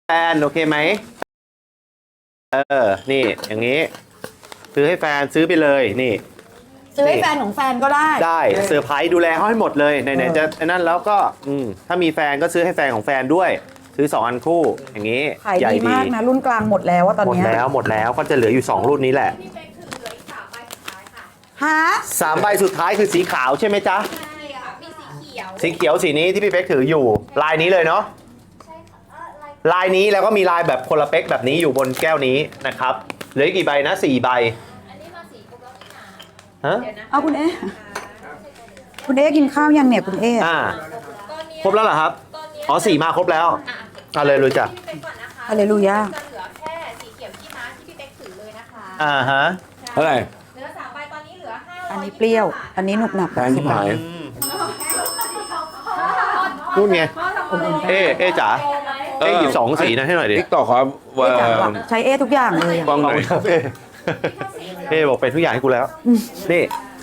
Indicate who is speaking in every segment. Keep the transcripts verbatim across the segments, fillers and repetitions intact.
Speaker 1: แฟนโอเคไหมเออนี่อย่างนี้ซื้อให้แฟนซื้อไปเลยนี่
Speaker 2: ซื้อให้แฟนของแฟนก็ได้
Speaker 1: ได้เซอร์ไพรส์ดูแลเขาให้หมดเลยไหนๆจะนั่นแล้วก็อืมถ้ามีแฟนก็ซื้อให้แฟนของแฟนด้วยซื้อสองอันคู่อย่างนี้
Speaker 2: ขายดีมากนะรุ่นกลางหมดแล้วว่าตอน
Speaker 1: หมด
Speaker 2: นี้
Speaker 1: แล้วหมดแล้วก็จะเหลืออยู่สองรุ่นนี้แหละ
Speaker 2: ฮะ
Speaker 1: สามใบสุดท้ายคือสีขาวใช่ไหมจ๊ะ
Speaker 3: ใช่ค่ะมีสีเขียว
Speaker 1: สีเขียวสีนี้ที่พี่เป๊กถืออยู่ลายนี้เลยเนาะลายนี้แล้วก็มีลายแบบคนละเป๊กแบบนี้อยู่บนแก้วนี้นะครับเหลือกี่ใบนะสี่ใบ
Speaker 3: อันนี้มาสีครบแล้วนี่นะ
Speaker 1: ฮะ
Speaker 3: เดี๋ยวนะ
Speaker 2: เอาคุณเอ๊ะคุณเอ๊ะกินข้าวยังเนี่ยคุณเอ๊ะ
Speaker 1: อ่า
Speaker 3: ตอนนี้
Speaker 1: ครบแล้วเหรอครับอ๋อสี่มาครบแล้วอ่ะเลยรู้จัก
Speaker 3: พี่เป๊กก่อนนะคะ
Speaker 2: ฮาเลลูยา
Speaker 3: จะเหลือแค่สีเขียวที่ม้าที่พี่เป๊กถือเลยนะคะ
Speaker 1: อ่าฮะเท่าไหร่
Speaker 3: เหลือสามใบตอนนี้เหลือห้าร้อย
Speaker 2: อันนี้เปรี้ยวอันนี้หนุบหนับ
Speaker 4: แพงที่หาย
Speaker 1: นู่นไงเอ๊เอ๊จ๋าเอ๊หยิบสองสีนะให้หน่อยดิ
Speaker 4: ติ๊กต่อครับว่า
Speaker 2: เอ๊ะจังหวะใช้เอ๊ะทุกอย่างเลยอะ
Speaker 4: กล้องหน่อย
Speaker 1: ครับเอ๊เอ๊บอกเป็นทุกอย่างให้กูแล้วนี่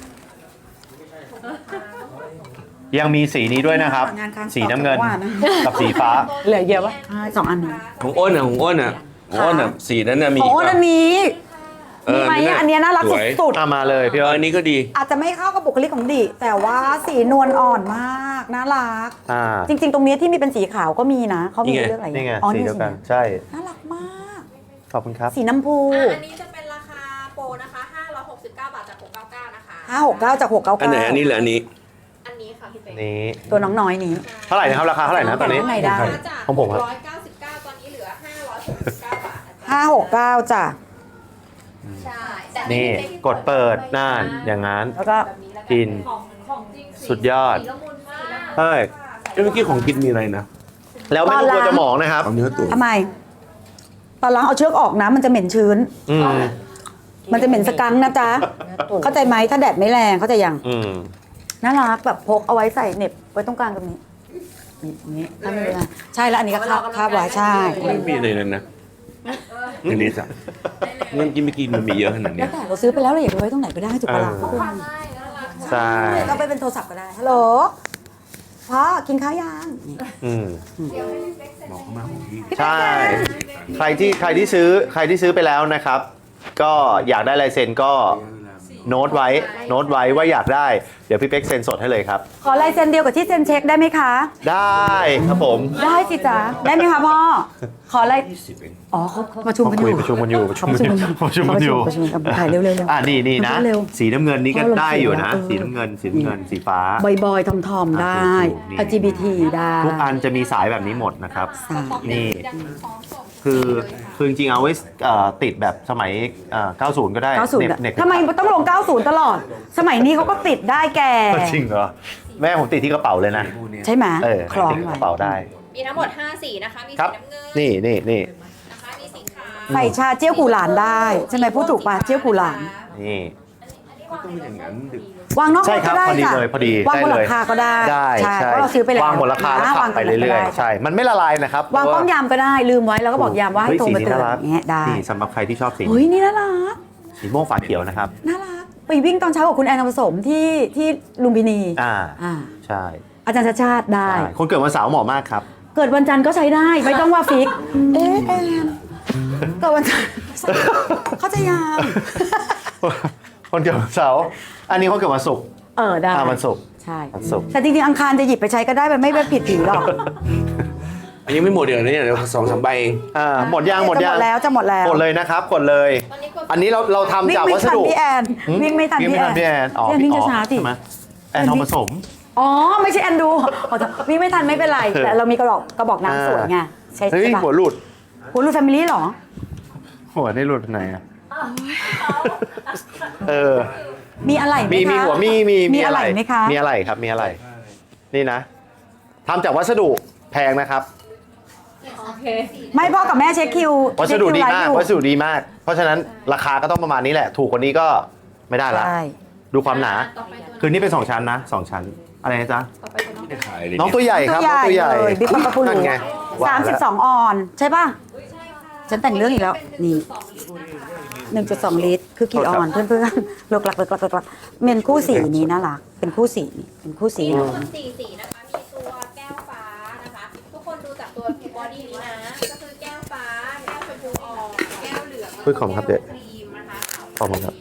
Speaker 1: ยังมีสีนี้ด้วยนะครับสีน้ำเงินกับสีฟ้า
Speaker 2: เหลือเยอะปะใช่สองอันนี้
Speaker 4: ของอ้นอ่ะของอ้นอ่ะของอ้นอ่ะสีนั้นน่ะมี
Speaker 2: โอ้อันนี้
Speaker 4: เอ
Speaker 2: มี
Speaker 4: อ
Speaker 2: ไหมอันเนี้ยน่ารัก
Speaker 4: สวย
Speaker 2: สุด
Speaker 1: เอามาเลยพี่
Speaker 4: เออ
Speaker 1: อ้
Speaker 4: อั
Speaker 1: น
Speaker 4: นนี้ก็ดี
Speaker 2: ๆอาจจะไม่เข้ากับบุคลิกของดิแต่ว่าสีนวลอ่อนมากน่ารัก
Speaker 1: อ่า
Speaker 2: จริง ๆ ตรงนี้ที่มีเป็นสีขาวก็มีนะเขามีเรื่องอะไร
Speaker 1: นี่ไง
Speaker 2: อ๋อ
Speaker 1: สี
Speaker 2: นี่
Speaker 1: เดียวกัน
Speaker 2: สี
Speaker 1: ใช่
Speaker 2: น่ารักมาก
Speaker 1: ขอบคุณครับ
Speaker 2: สีน้ำพู
Speaker 3: อ่ะอันนี้จะเป็นราคาโปรนะคะห้าร้อยหกสิบเก้าบาทจากหกร้อยเก้าสิบเก้านะคะ
Speaker 2: ห้าหกเก้าจากหกเก้า
Speaker 4: อัน
Speaker 2: เก้า
Speaker 4: ไหนอันนี้หรืออันนี้
Speaker 3: อันนี้ค่ะพี่เป๊ก
Speaker 1: นี้
Speaker 2: ตัวน้องน้อยนี้
Speaker 1: เท่าไหร่นะครับราคาเท่าไหร่นะตอนนี้
Speaker 2: ข้างในได้
Speaker 3: จาก
Speaker 1: ของผมครับ
Speaker 3: ร้อยเก้าสิบเก้าตอนนี้เหลือห้าร้อยหกสิบเก้าบาทนะจ๊ะ
Speaker 2: ห้าหกเก้าจ้ะ
Speaker 3: ใช่แต่
Speaker 1: นี่
Speaker 3: พี่ป๊
Speaker 1: กดเปิดน่านอย่างนั้น
Speaker 2: แล้วก็
Speaker 3: แบบนี้แล้ว
Speaker 1: กิน
Speaker 3: ของของจริง
Speaker 1: สุดยอด
Speaker 3: สีละมุนมาก
Speaker 1: เฮ้ย
Speaker 4: เอ้ยเมื่อกี้ของกินมีอะไรนะ
Speaker 1: แล้วไม่ต้องกลัวจะหมองนะครับ
Speaker 4: เอาเนื้อตุ๋น
Speaker 2: ทำไม ตอนล้างเอาเชือกออกนะมันจะเหม็นชื้น
Speaker 1: อืม
Speaker 2: มันจะเหม็นสกังนะจ๊ะ เข้าใจไหมถ้าแดดไม่แรงเข้าใจยัง
Speaker 1: อืม
Speaker 2: น่ารักแบบพกเอาไว้ใส่เหน็บไว้ตรงกลางตรงนี้นี่ตรงนี้ถ้าไม่เลยใช่แล้วอันนี้ก็คาบคาบไว้ใช่
Speaker 4: ไม่มีอะไรเลยนะอันนี้จ้ะเงินกินไม่กินมันมีเยอะขนาด
Speaker 2: แล้
Speaker 4: เนี้
Speaker 2: วย แต่เราซื้อไปแล้วเราอยากจะไว้ตรงไหนก็ได้ถูกปะล่ะ
Speaker 1: เออ
Speaker 2: คุณ
Speaker 1: ใช่
Speaker 2: ก็ไปเป็นโทรศัพท์ก็ได้ฮัลโหลพ่อกินข้าวยังนี่
Speaker 1: อืม
Speaker 4: บอกเขามาของพี่
Speaker 1: ใช่ ใครที่ใครที่ซื้อใครที่ซื้อไปแล้วนะครับ ก็อยากได้ลายเซ็นก็โน้ตไว้โน้ตไว้ว่าอยากได้เดี๋ยวพี่เป๊กเซ็นสดให้เลยครับ
Speaker 2: ขอลายเซ็นเดียวกับที่เซ็นเช็คได้ไหมคะ
Speaker 1: ได้ครับผม
Speaker 2: ได้สิจ๊ะได้ไหมคะพ่อขอลาย
Speaker 4: ยี่สิบเอง
Speaker 2: อ๋อเขาประชุม
Speaker 1: เขา
Speaker 2: กันอ
Speaker 1: คุย
Speaker 2: ยู่
Speaker 1: ประชุมกันอยู่ประชุมกันอยู่ประชุมกันอยู่
Speaker 2: ประชุมกันถ่ายเร็วๆเร็ว
Speaker 1: อ่านี่นี่นะ
Speaker 2: เร็ว
Speaker 1: สีน้ำเงินนี่ก็
Speaker 2: เอาลง
Speaker 1: ได้อยู่นะ
Speaker 2: เออ
Speaker 1: สีน้ำเงินสีน้ำเงินสีฟ้า
Speaker 2: บอยๆทอมทอมๆได้
Speaker 1: ถูกๆนี่
Speaker 2: แอล จี บี ที ได้
Speaker 1: ทุกอันจะมีสายแบบนี้หมดนะครับ
Speaker 2: ใช่
Speaker 1: นี่
Speaker 3: ยังพร้อมส่ง
Speaker 1: คือคือจริงๆเอาไว้เอ่อติดแบบสมัยเอ่อเก้าสิบ ก็ได้
Speaker 2: เก้าสิบ
Speaker 1: เน็บ
Speaker 2: อะ
Speaker 1: เน็บ
Speaker 2: ทำไมต้องลงเก้าสิบตลอด สมัยนี้เขาก็ติดได้แก
Speaker 1: จริงเหรอแม่ผมติดที่กระเป๋าเลยนะ
Speaker 2: ใช่ไหม
Speaker 1: เออ
Speaker 2: คล้อง
Speaker 1: ติด
Speaker 2: ไว้
Speaker 1: กระเป๋าได้
Speaker 3: มีทั้งหมดห้าสีนะคะ มี
Speaker 1: ครั
Speaker 3: สี
Speaker 1: บ
Speaker 3: น้ำเงิน
Speaker 1: นี่นี่นี่
Speaker 3: นะคะมีสีขาว
Speaker 2: ใส่ชาเจี้ยวกูหลานได้ใช่ไหมพูดถูกป่ะเจี้ยวกูหลาน
Speaker 1: นี่
Speaker 4: ต้องเป็นอย่างนั้นดึก
Speaker 2: วางนอก
Speaker 1: ใช่
Speaker 2: รถ
Speaker 1: ครั
Speaker 2: ก็
Speaker 1: บ
Speaker 2: ได้
Speaker 1: พอดี
Speaker 2: จ้ะ
Speaker 1: เลยพอดี
Speaker 2: วางบนห
Speaker 1: ได้
Speaker 2: ลั
Speaker 1: เล
Speaker 2: ง
Speaker 1: ย
Speaker 2: คาก็ได้
Speaker 1: ได้
Speaker 2: ใช่เพราะเราซื้อไปแล้ว
Speaker 1: วางบนราคาแล้ว
Speaker 2: นะ
Speaker 1: ขับไปเรื่อย
Speaker 2: ก็ด้
Speaker 1: ๆใช่ มันไม่ละลายนะครับ
Speaker 2: วางป้อมยามก็ได้ลืมไว้แล้วก็บอกยามว่าให้
Speaker 1: เฮ้ย
Speaker 2: โทร
Speaker 1: สี
Speaker 2: มา
Speaker 1: นี้
Speaker 2: เตือ
Speaker 1: น่าน รัก
Speaker 2: อย่างเงี้ยได้
Speaker 1: นี่สำหรับใครที่ชอบสี
Speaker 2: เฮ้ยนี่น่ารัก
Speaker 1: สีม่วงฝาเขียวนะครับ
Speaker 2: น่ารักไปวิ่งตอนเช้ากับคุณแอนนผสมที่ที่ลุมพินี
Speaker 1: อ่า
Speaker 2: อ่า
Speaker 1: ใช่
Speaker 2: อาจารย์ชาติชาติได้
Speaker 1: ใช่คนเกิดวันเสาร์เหมาะมากครับ
Speaker 2: เกิดวันจันทร์ก็ใช้ได้ไม่ต้องว่าฟิก เอ๊ะแอนเกิดวันจันทร์เขาจะยาม
Speaker 1: คนเกิดวันเสาร์อันนี้คนเกิดวันศุกร์
Speaker 2: เออได้
Speaker 1: อ่าวันศุกร์
Speaker 2: ใช่
Speaker 1: วันศุกร์
Speaker 2: แต่จริงๆอังคารจะหยิบไปใช้ก็ได้มันไม่เป็นผิดผีหรอก
Speaker 4: อันนี้ไม่หมดเดี๋ยวนี้เดี๋ยวสองสามใบเอง
Speaker 1: อ่าหมดยังหมด
Speaker 2: จะ
Speaker 1: ยั
Speaker 2: หม
Speaker 1: ง
Speaker 2: ดแล้วจะหมดแล้ว
Speaker 1: กดเลยนะครับกดเลย
Speaker 3: ตอนนี้กด
Speaker 1: อันนี้เราเราทำ
Speaker 2: วิ่ง
Speaker 1: จาก
Speaker 2: ไม่
Speaker 1: วัส
Speaker 2: ทัน
Speaker 1: ดุ
Speaker 2: พี่แอนวิ่งไม่ทัน
Speaker 1: วิ่ง
Speaker 2: พี่
Speaker 1: ไม่ทันพี่
Speaker 2: แอ
Speaker 1: แอน นอ๋อ
Speaker 2: วิ่ง
Speaker 1: พี่
Speaker 2: ช้าๆสิ
Speaker 1: ใช่ไหมแอนทองผสม
Speaker 2: อ๋อไม่ใช่แอนดูขอโทษวิ่งไม่ทันไม่เป็นไร แต่เรามีกระบอกกระบอกน้ำสวยไงใช่
Speaker 1: เฮ้ย
Speaker 2: ใช่ปะ
Speaker 1: หัวหลุด
Speaker 2: หัวรูดแฟมิลี่หรอ
Speaker 1: หัวได้หลุดไปไหนอ่ะเออ
Speaker 2: มีอะไรไหม
Speaker 1: มี
Speaker 2: คะ
Speaker 1: มีหัวมีมี
Speaker 2: มีอะไรไหมคะ
Speaker 1: มีอะไรครับมีอะไร นี่นะทำจากวัสดุแพงนะครับ
Speaker 3: โอเค
Speaker 2: ไม่พ่อกับแม่เช็คคิว
Speaker 1: วัสดุดี
Speaker 2: เช็คคิวไล
Speaker 1: มาก
Speaker 2: ฟ์อยู่
Speaker 1: วัสดุดีมาก เพราะฉะนั้นราคาก็ต้องประมาณนี้แหละ ถูกกว่านี้ก็ไม่ได้ละ
Speaker 2: ใช่
Speaker 1: ดูความหนา
Speaker 3: ต่อไปตัว
Speaker 1: คือนี่เป็นสองชั้นนะสองชั้น อะไรนะจ๊ะ
Speaker 3: ต่อไปตัวน้อง
Speaker 4: ไม่ได้ขายเลย
Speaker 1: น้องตัวใหญ่ครับน้องตัวใหญ่
Speaker 2: เลยบิ๊กปะปะปู
Speaker 1: นั่นไง
Speaker 2: สามสิบสองออน ใช่ป่ะ ฉันแต่งเรื่องอีกแล้ว นี่ หนึ่งจุดสองลิตร คือกี่ออน เพื่อนๆเลิกลักเลิกลักเลิกลักเมนคู่สีนี้น่ารักเป็นคู่สีเป็นคู่สี
Speaker 3: มีทั้งหมดสี่สีนะคะ มีตัวแก้วฟ้านะคะ ทุกคนดูจากตัวบอดี้นี้นะ ก็คือแก้ว
Speaker 1: คุยของครับเด็กขอบคุณครับ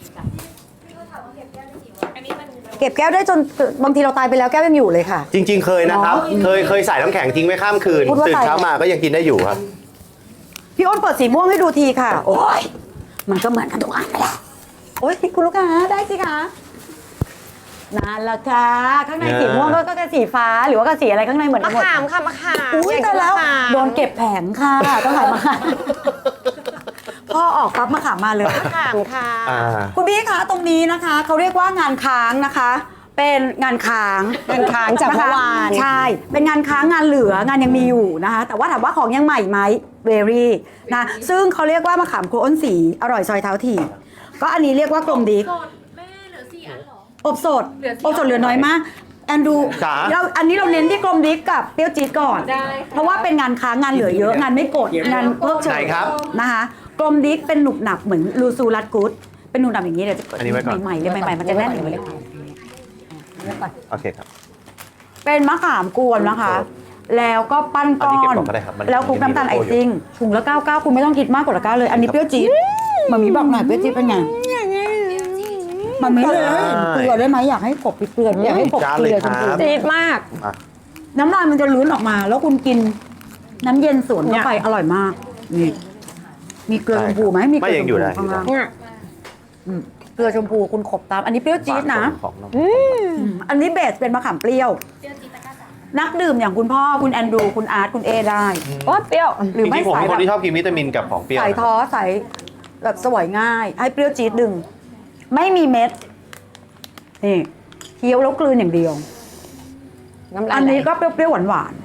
Speaker 2: เก็บแก้วได้จนบางทีเราตายไปแล้วแก้วยังอยู่เลยค่ะ
Speaker 1: จริง ๆ เคยนะครับ เคยเคยใส่น้ำแข็งทิ้งไว้ข้ามคืน
Speaker 2: พูดว่า
Speaker 1: ตื่น
Speaker 2: ใส่
Speaker 1: เช้ามาก็ยังกินได้อยู่ครับ
Speaker 2: พี่อ้นเปิดสีม่วงให้ดูทีค่ะ โอ้ยมันก็เหมือนกันทุกอันนั่นแหละโอ้ยคุณลูกค้าได้สิคะนั่นแหละค่ะข้างในสีม่วงก็ก็สีฟ้าหรือว่าก็สีอะไรข้างในเหมือนกั
Speaker 5: มะ
Speaker 2: นหมด
Speaker 5: ขามค่ะมะขาม
Speaker 2: อุ้ย
Speaker 5: อยาก
Speaker 2: แต่
Speaker 5: กิน
Speaker 2: แล้ว
Speaker 5: มะขาม
Speaker 2: โดนเก็บแผงค่ะต้องขายมาขามพ่อออกปั๊บมาขามมาเลย
Speaker 5: มะขามค่ะ
Speaker 1: อ่า
Speaker 2: คุณพี่คะตรงนี้นะคะเขาเรียกว่างานค้างนะคะ เป็นงานค้าง
Speaker 5: งานค้างจากเมื่อวาน
Speaker 2: ใช่ เป็นงานค้างงานเหลืองานยังมีอยู่นะคะ แต่ว่าถามว่าของยังใหม่ไหมเวรี่นะซึ่งเขาเรียกว่ามะขามโคอ้นสีอร่อยซอยเท้าถี่ก็อันนี้เรียกว่ากลมดิก
Speaker 3: สดแม่เหลือสี่อันเหรอ
Speaker 2: อบสด
Speaker 3: เหลือสี่
Speaker 2: อบสดเหลือน้อยมากแอนดู
Speaker 1: จ๋า
Speaker 2: เราอันนี้เราเน้นที่กลมดิกกับเปรี้ยวจี๊ดก่อน
Speaker 3: ได้ค่ะ
Speaker 2: เพราะว่าเป็นงานค้างงานเหลือเยอะงานไม่กดงานเพิกเฉ
Speaker 1: ไหน
Speaker 2: ย
Speaker 1: ครับ
Speaker 2: นะคะกลมดิกเป็นหนุบหนับเหมือนลูซูรัดกูดเป็นหนุบหนับอย่างนี้เดี๋ยวจะ
Speaker 1: อันนี้ไว้ก่อน
Speaker 2: ใหม่ๆเลยใหม่ๆมันจะแน่นอย่างนี้
Speaker 1: โอเคครับ
Speaker 2: เป็นมะขามกวนนะคะ แล้วก็ปั้นก้
Speaker 1: อันนี้
Speaker 2: อ
Speaker 1: เก็บ
Speaker 2: น
Speaker 1: ก่อนก็ได้ครับมัน
Speaker 2: แล้วคลุกน้ำตาลไอซิ่งถุงละเก้าเก้าคุณไม่ต้องคิดมากกว่าละเก้าเลย อันนี้เปรี้ยวจี๊ดมามีบอกหน่อยเปรี้ยวจี๊ดเป็นไงมันไม่เลยเกลือได้ไหมอยากให้กบเกลืออยากให้กบ
Speaker 1: จ้า
Speaker 2: เก
Speaker 1: เลย
Speaker 2: ลือ
Speaker 1: ค
Speaker 2: จ
Speaker 1: รับ
Speaker 2: ริง
Speaker 5: จี๊ดมาก
Speaker 1: อ่ะ
Speaker 2: ๆน้ำลายมันจะลื้นออกมา แล้วคุณกินน้ำเย็นสวนเข้าไปอร่อยมากนี่มีเกลือชมพูไหมมีเก
Speaker 1: ไม่
Speaker 2: ลือ
Speaker 1: ยั
Speaker 2: ช
Speaker 1: ง
Speaker 2: ม
Speaker 1: อยู่
Speaker 2: พู
Speaker 1: ได้
Speaker 2: ข้างล่าง
Speaker 5: เนี่ย
Speaker 2: อืมเกลือชมพูคุณขบตาม อันนี้เปรี้ยวจี๊ดนะ
Speaker 1: ของน้อง
Speaker 2: อืมอันนี้เบสเป็นมะขามเปรี้ยว นักดื่มอย่างคุณพ่อคุณแอนดรูคุณอาร์ตคุณเอได้
Speaker 5: โอ้เปรี้ยว
Speaker 2: หรือ
Speaker 1: จ
Speaker 2: ไม่
Speaker 1: ริงๆผม
Speaker 2: สาย
Speaker 1: เป็น
Speaker 2: แบ
Speaker 1: คน
Speaker 2: บ
Speaker 1: ที่ชอบกินวิตามินกับของเปรี้ยว
Speaker 2: สายท้อสายแบบสวยง่าย ให้เปรี้ยวจี๊ดดึง ไม่มีเม็ดนี่เคี้ยวแล้วกลืนอย่างเดียว
Speaker 5: น้ำลาย
Speaker 2: อันนี้ก็เปรี้ยวๆหวาน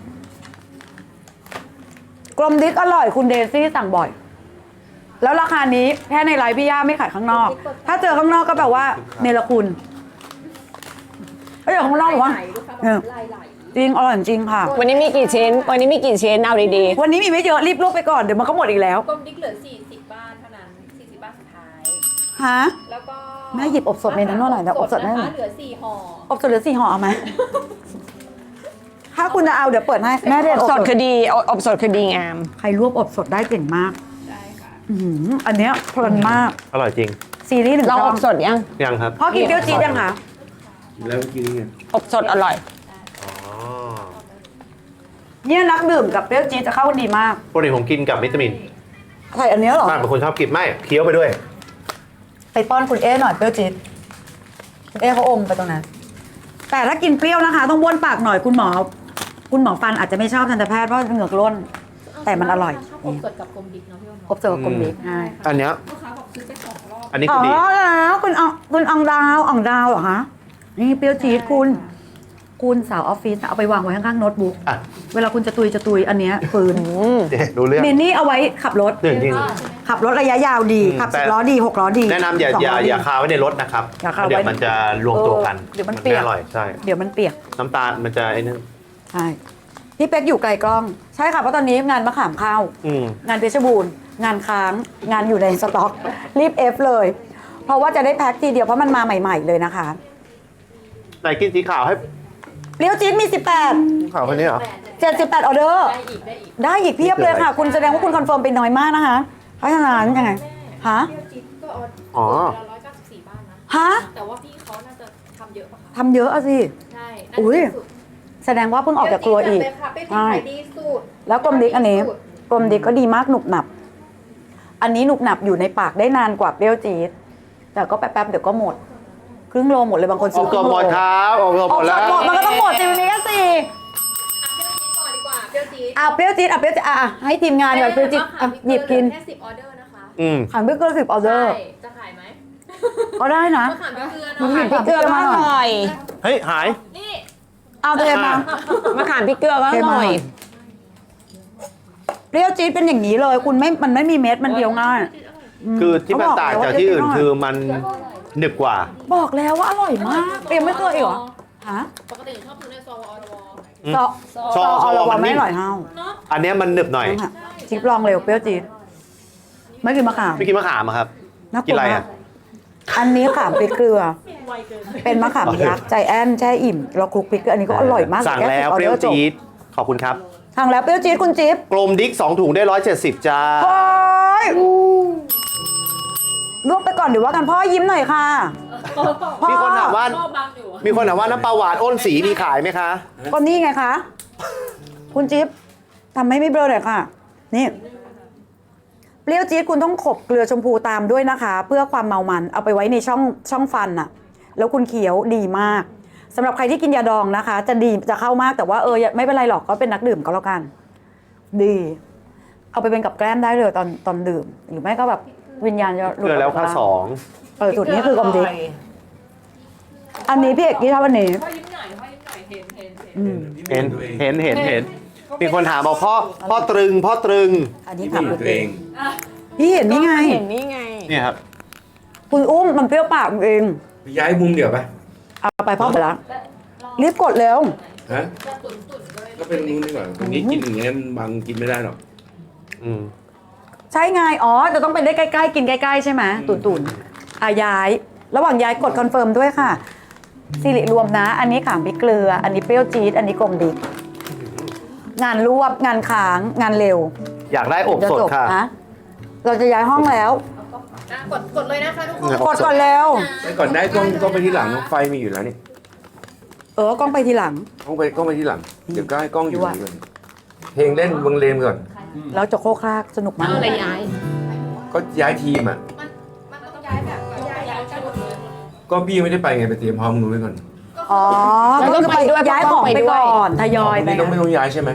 Speaker 2: ๆกลมดิกอร่อยคุณเดซี่สั่งบ่อย แล้วราคานี้แค่ในไลฟ์พี่ย่าไม่ขายข้างนอก ถ้าเจอข้างนอกก็แปลว่าเนรคุณถ้าเจอข้างนอกหรือว่า
Speaker 3: ไหลลูกค้าบ
Speaker 2: เอ
Speaker 3: อ
Speaker 2: อก
Speaker 3: ไหลไหล
Speaker 2: จริงอร่อยจริงค่ะ
Speaker 5: วันนี้มีกี่ชิ้น วันนี้มีกี่ชิ้นเอาดี
Speaker 2: วันนี้มีไม่เยอะรีบลวกไปก่อนเดี๋ยวมันก็หมดอีกแล้ว
Speaker 3: กลมดิ๊กเหลือสี่สิบบ้านเท่านั้นสี่สิบบ้านสุดท้าย
Speaker 2: ฮะ
Speaker 3: แล้วก็
Speaker 2: แม่หยิบอบสดในนั้นหน่อยนะอบสดได้ไหม
Speaker 3: นะคะเหลือสี่ห่อ
Speaker 2: อบสดเหลือสี่ห่อเอาไหม ถ้าคุณจะเอาเดี๋ยวเปิดให้แม่เรียน
Speaker 5: ๆ
Speaker 2: อบ
Speaker 5: ส
Speaker 2: ส
Speaker 5: ด
Speaker 2: ด
Speaker 5: คือดีอบอบสดคือดีงาม
Speaker 2: ใครรวบอบสดได้เก่งมาก
Speaker 3: ได้ค่ะ
Speaker 2: อื้อหืออันเนี้ยเพลินมาก
Speaker 1: อร่อยจริง
Speaker 2: ซีรีส์หนึ่ง
Speaker 5: เรา
Speaker 2: ช่
Speaker 5: อ
Speaker 2: อง
Speaker 5: บสดยัง
Speaker 1: ยังครับ
Speaker 2: พ่อกินเปรี้ยวจี๊ดยังคะ
Speaker 4: แล้วกินไง
Speaker 5: อบสดอร่อย
Speaker 1: อ๋อ
Speaker 2: เนี่ยนักดื่มกับเปรี้ยวจี๊ดจะเข้ากันดีมาก
Speaker 1: ปกติผมกินกับวิตามิน
Speaker 2: ใส่อันเนี้ยเหรอ
Speaker 1: มากเป็นคนชอบกินไม่เคี้ยวไปด้วย
Speaker 2: ไปป้อนคุณเอ๊หน่อยเปรี้ยวจี๊ดคุณเอ๊เขาอมไปตรงนั้น แต่ถ้ากินเปรี้ยวนะคะ ต้องบ้วนปากหน่อยคุณหมอ คุณหมอฟันอาจจะไม่ชอบทันตแพทย์เพราะเหงือกล้น แต่มันอร่อย
Speaker 3: ชอบอบสดกับกลมดิ๊กเนาะพี่อ้น
Speaker 2: ครบเจอกับกลมดิกใช่
Speaker 1: อันเนี้ย
Speaker 3: ลูกค้าบอกซื้อไปสองรอบ
Speaker 1: อันนี้
Speaker 2: อ๋
Speaker 1: คือ
Speaker 2: อ
Speaker 1: ดี
Speaker 2: แล้วคุณอองคุณอองดาวอองดาวเหรอคะนี่เปรี้ยวจี๊ดคุณ คุณสาวออฟฟิศเอาไปวางไว้ข้างๆโน้ตบุ๊ก
Speaker 1: อ่ะ
Speaker 2: เวลาคุณจะตุยจะตุยอันเนี้ยฟืน
Speaker 1: เจ๊ดูเรื่อง
Speaker 2: มินนี่เอาไว้ขับรถ
Speaker 1: จริงจริง
Speaker 2: ขับรถระยะยาวดี
Speaker 1: อืม
Speaker 2: ขับ
Speaker 1: แต่
Speaker 2: สิบล้อดีหกล้อดี
Speaker 1: แนะนำอย่า
Speaker 2: สง
Speaker 1: อย่า
Speaker 2: ล้ดี
Speaker 1: อย่าคาไว้ในรถนะครับ
Speaker 2: อย่าคาไว้
Speaker 1: เดี๋ยวมันจะรวมตัวกัน
Speaker 2: เออเดี๋ยวมันเปียก
Speaker 1: ไอร่อยใช่
Speaker 2: เดี๋ยวมันเปียก
Speaker 1: น้ำตาลมันจะไอ้นั่น
Speaker 2: ใช่พี่เป๊กอยู่ไกลกล้อง ใช่ค่ะเพราะตอนนี้งานมะขามเข้า
Speaker 1: อืม
Speaker 2: งานเพชรบูรณ์งานค้าง งานอยู่ในสต็อก รีบเอฟเลย เพราะว่าจะได้แพ็คทีเดียวเพราะมันมาใหม่ ๆ เลยนะคะ
Speaker 1: ไหนกินสีขาวให้
Speaker 2: เปรี้ยวจี๊ดมี สิบแปด
Speaker 1: ขาวคนนี้เหรอ
Speaker 2: เจ็ดสิบแปดออเดอร์
Speaker 3: ได้อีกได้อีก
Speaker 2: ได้อีกเพียบเลยค่ะ คุณแสดงว่าคุณคอนเฟิร์มไปน้อยมากนะคะเพราะฉะนั้นยังไงฮะ
Speaker 3: เปรี้ยวจิ๊บก็
Speaker 1: อ๋อ
Speaker 3: ร้อยเก้าสิบสี่บ้านนะ
Speaker 2: ฮะ
Speaker 3: แต่ว่าพี่เขาน่าจะทำเยอะปะคะ
Speaker 2: ทำเยอะอะสิ
Speaker 3: ใช่
Speaker 2: อุ๊ย
Speaker 3: น่าจะสุด
Speaker 2: แสดงว่าเพิ่งออกจากครัวอีก
Speaker 3: เปรี้ยวจี๊ดแบบเลยค่ะเปรี้ยวจี๊ด
Speaker 2: ใช่
Speaker 3: ขายดีสุด
Speaker 2: แล้วกลมดิกอันนี้กลมดิกก็ดีมากหนุบหนับ อันนี้หนุบหนับอยู่ในปากได้นานกว่าเปรี้ยวจี๊ดแต่ก็แป๊บๆเดี๋ยวก็หมด ครึ่งโลหมดเลยบางคน
Speaker 1: อ
Speaker 2: ซื้
Speaker 1: อ
Speaker 2: อก ครึ่
Speaker 1: ตัว
Speaker 2: ง
Speaker 1: ห
Speaker 2: โล
Speaker 1: มดครับออกตัว
Speaker 2: อ
Speaker 1: หม
Speaker 2: อก
Speaker 1: ด
Speaker 2: ส
Speaker 1: แล้
Speaker 2: ด
Speaker 1: ว
Speaker 2: หมดมันก็ต้องหมดสิมีแค่สี่
Speaker 3: อ่ะเปรี้ยวจี๊ดก่อนดีกว่าเปรี้ยวจี๊ด
Speaker 2: อ่ะเปรี้ยวจี๊ดอ่ะเปรี้ยวจี๊ดอ่ะให้ทีมงานก่อนเปรี้ยวจี๊ดอ่ะหยิบกิน
Speaker 3: แค่สิบออเดอร์นะคะ
Speaker 1: อืม
Speaker 2: ขันพริกเกลือสิบออเดอร์
Speaker 3: ใช่จะขายไหม
Speaker 2: ก็ได้นะ
Speaker 3: มะขามพริกเกลือ
Speaker 2: มัน
Speaker 3: เนาะ
Speaker 2: หยิบ
Speaker 5: พริกเกลือก็อร่อย
Speaker 1: เฮ้ย หาย
Speaker 3: นี่
Speaker 2: เอาเทมา
Speaker 5: มะขามพริกเกลือก็อร่อย
Speaker 2: เปรี้ยวจี๊ดเป็นอย่างนี้เลย คุณไม่มันไม่มีเม็ดมันเดียวง่าย
Speaker 1: คือที่มันต่างจากที่อื่นคือมันหนึบกว่า
Speaker 2: บอกแล้วว่าอร่อยมากเปรี้ยวไม่เคยอีกเหรอฮะ
Speaker 3: ปกติชอบซื้อในซองวอลวอ
Speaker 1: อืม
Speaker 2: ซอ
Speaker 1: ซอ
Speaker 2: ซอ
Speaker 1: ซอ
Speaker 2: เรา
Speaker 1: มัน
Speaker 2: ไม่
Speaker 1: นิ่
Speaker 2: อ
Speaker 1: ม
Speaker 2: ร่อยเท่า
Speaker 3: เนาะ
Speaker 1: อันเนี้ยมันหนึบหน่อย
Speaker 2: นั่นค่ะจิ๊บลองเร็วเปรี้ยวจี๊ดไม่กินมะขาม
Speaker 1: ไม่กินมะขามอะครับ
Speaker 2: น่าก
Speaker 1: กิน
Speaker 2: ลัว
Speaker 1: อะไร
Speaker 2: มา
Speaker 1: อ่ะ
Speaker 2: กอันนี้ขามพริกเกลือ เป็นมะขามยักษ์ใจแอนแช่อิ่มเราคลุกพริกเกลืออันนี้ก็อร่อยมาก
Speaker 1: สั่ง
Speaker 2: ค่
Speaker 1: แล้ว
Speaker 2: สิบออ
Speaker 1: เป
Speaker 2: ด
Speaker 1: รี้ยว
Speaker 2: อจบ
Speaker 1: จี๊ดขอบคุณครับ
Speaker 2: สั่งแล้วเปรี้ยวจี๊ดคุณจิ๊บ
Speaker 1: กลมดิ๊กสองถุงได้ร้อยเจ็ดสิบจ้า
Speaker 2: โอ้ยลวกไปก่อนเดี๋ยวว่ากันพ่อยิ้มหน่อยค่ะพ่อ
Speaker 1: มีคนถามว่ามีคนถามว่าน้ำปลาหวานอ้นสีมีขายไหมคะ
Speaker 2: ก็นี่ไงคะ คุณจิ๊บทำให้ไม่เบลอหน่อยค่ะ นี่ เปรี้ยวจี๊ดคุณต้องขบเกลือชมพูตามด้วยนะคะ เพื่อความเมามันเอาไปไว้ในช่องช่องฟันน่ะ แล้วคุณเคี้ยวดีมากสำหรับใครที่กินยาดองนะคะ จะดีจะเข้ามากแต่ว่าเออไม่เป็นไรหรอกก็เป็นนักดื่มก็แล้วกัน ดี เอาไปเป็นกับแกล้มได้เลยตอนตอนดื่ม หรือไม่ก็แบบวิญญาณจะหลุด
Speaker 1: เกลือแล้วค่าสอง
Speaker 2: เออจุดนี้คือกลมดิอันนี้พี่เอกกี้ชอบอันนี้
Speaker 3: พ่อยิ้มหน่อยพ่อยิ้มหน่อยเห็นเห็นเห็น
Speaker 2: อืม
Speaker 1: เห็นเห็นเห็นเห็นมีคนถามบอกพ่อพ่อตรึงพ่อตรึง
Speaker 2: อันนี้
Speaker 4: ที่
Speaker 2: ถาม
Speaker 4: อยู่
Speaker 2: คุณ
Speaker 4: ตัวเอง
Speaker 2: พี่เห็นนี่ไง
Speaker 5: เห็นนี่ไง
Speaker 1: เนี่ยครับ
Speaker 2: คุณอุ้มมันเปรี้ยวปากเอง
Speaker 4: ไปย้ายมุมเดี๋ยวไป
Speaker 2: เอาไปพ่อไปแล้วรีบกดเร็ว
Speaker 4: ฮะก็เป็นมุมดีกว่าตรงนี้กินอย่างเงี้ยบางกินไม่ได้หรอก
Speaker 1: อืม
Speaker 2: ใช่ไง อ๋อ จะต้องไปได้ใกล้ๆ กินใกล้ๆ ใช่ไหมตุนตุนๆอาย้าย ระหว่างย้ายกดคอนเฟิร์มด้วยค่ะสิริรวมนะ อันนี้ขามพริกเกลือ อันนี้เปรี้ยวจี๊ด อันนี้กลมดิกงานรวบ งานค้าง งานเร็ว
Speaker 1: อยากได้อบสดค่ะ
Speaker 2: นเราจะย้ายห้องแล้ว
Speaker 3: อ่ะกดกดเลยนะคะทุกคน
Speaker 2: กดก่อนเร็ว
Speaker 4: ไปก่อนได้กล้องกล้องไปที่หลังไฟมีอยู่แล้วนี่
Speaker 2: เออกล้องไปทีหลัง
Speaker 4: กล้องไปกล้องไปที่หลังเดี๋ยวก็ให้กล้องอยู่นี่ก่อนเพลงเล่นวงเลนก่อน
Speaker 2: แล้วจะโคกคลากสนุกมาก
Speaker 3: อะไรย้าย
Speaker 4: ก็ย้ายทีมอ่ะ
Speaker 3: มันต้องย้ายแบบย้ายย้ายกันหมดเลย
Speaker 4: ก็พี่ยังไม่ได้ไปไงไปเตรียมพร้อมนู้นไว้ก่อน
Speaker 2: อ๋อ
Speaker 5: แล้วก็ไปด้วย
Speaker 2: ย้ายของ
Speaker 5: ไป
Speaker 2: ไป
Speaker 5: ด้วย
Speaker 2: ก่อนทยอยไป
Speaker 4: นี่ต้องไม่ต้องย้ายใช่ไหม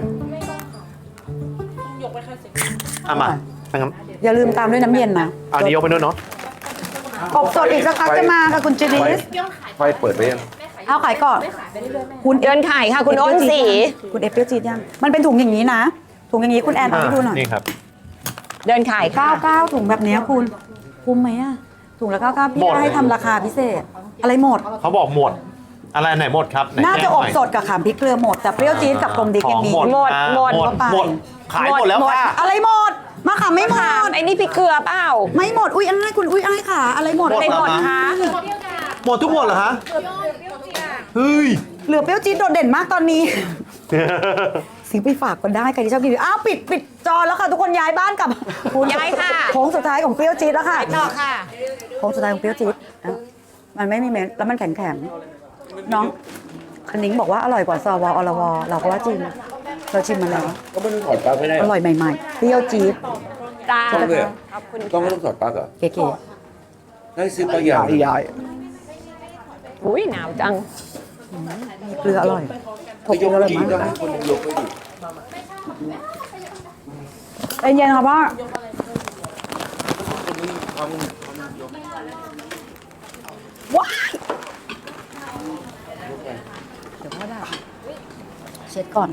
Speaker 3: ยกไปแค่สิบ
Speaker 1: เอามานะครับ
Speaker 2: อย่าลืมตามด้วยน้ำเย็นนะ
Speaker 1: เอานี้ยกไปด้วยเนาะ
Speaker 2: อบสดอีกสักพักจะมาค่ะคุณจินิส
Speaker 4: ไฟเปิดไปยัง
Speaker 2: เอาขายก่อน
Speaker 3: ไม่ขายไปเรื่อยๆแม่
Speaker 2: คุณ
Speaker 5: เดินขายค่ะ คุณอ้นสี
Speaker 2: คุณเอฟเปรี้ยวจี๊ดยัง มันเป็นถุงอย่างนี้นะ ถุงอย่างนี้คุณแอนเอาให้ดูหน่อย
Speaker 1: นี่ครับ
Speaker 5: เดินขายค่ะ
Speaker 2: เก้าเก้าถุงแบบเนี้ยคุณ คุ้มไหมอะถุงละเก้าเก้าพี่
Speaker 1: หมด
Speaker 2: ให้ทำราคาพิเศษ อะไรหมด
Speaker 1: เขาบอกหมด อะไรไหนหมดครับไห
Speaker 2: น่าจะ
Speaker 1: แจ้ง
Speaker 2: อ
Speaker 1: ห
Speaker 2: บ
Speaker 1: น่ย
Speaker 2: สดกับขามพริกเกลือหมด แต่เปรี้ยวจี๊ดกับกลมดิก
Speaker 1: ข
Speaker 2: ยั
Speaker 1: อง
Speaker 2: งมี
Speaker 1: หมด
Speaker 5: หมด
Speaker 1: อ่า
Speaker 5: หมด
Speaker 1: หมดหมดขายหมดแล้วค่ะ
Speaker 2: อะไรหมด มาขามไม่หม
Speaker 5: ถาม
Speaker 2: ด
Speaker 5: ไอ้นี่พี่เกลือเปล่า
Speaker 2: ไม่หมด อุ้ยอ้ายคุณอุ้ยอ้ายค่ะ อะไรหมด
Speaker 1: หมด
Speaker 5: อะไรหมดคะ
Speaker 1: หมดทุกหมดเหรอฮะเฮ้ย
Speaker 2: เหลือเปรี้ยวจี๊ดโดดเด่นมากตอนนี้ ซื้อไปฝากก็ได้ใครที่ชอบกินอ้าวปิดปิดจอแล้วค่ะ ทุกคนย้ายบ้านกลับ
Speaker 5: ย้ายค่ะ
Speaker 2: โค้งสุดท้ายของเปรี้ยวจี๊ดแล้วค่ะ
Speaker 5: ต่อค่ะ
Speaker 2: โค้งสุดท้ายของเปรี้ยวจี๊ดอ่ะมันไม่มีเม็ดแล้วมันแข็งแข็งๆน้องคันนิ้งบอกว่าอร่อยกว่าซอวออลวอเราก็ว่าจริงเราชิมมาแล้ว
Speaker 4: ก็ไม่ต้องถอดปลั๊กไม่ได้
Speaker 2: อร่อยใหม่ๆเปรี้ยวจี๊ด
Speaker 5: จ้า
Speaker 4: ต้องเลยเหรอ
Speaker 5: ขอบคุณ
Speaker 4: ต้องไม่ต้องถอดปลั๊กเหรอ
Speaker 2: เก๋
Speaker 4: ได้ซื้อปลั๊กยาว
Speaker 1: ย้าย
Speaker 5: อุ้ยหนาวจัง
Speaker 2: ๆมีเกลืออร่อยถ
Speaker 4: ก็
Speaker 2: ก
Speaker 4: ย
Speaker 2: เกลื
Speaker 4: ก
Speaker 2: ออร่อย
Speaker 4: กิน
Speaker 2: มาก
Speaker 4: ก็ให้คนยกไปดิ
Speaker 2: ใจเย็นค่ะพ่อว้ายเดี๋ยวพ่อได้เช็ดก่อน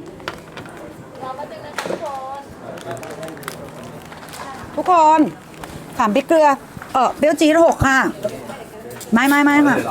Speaker 2: ทุกคนถามพริกเกลือ เออเปรี้ยวจี๊ดหกค่ะ ไม่ไม่ไม่ค่ะ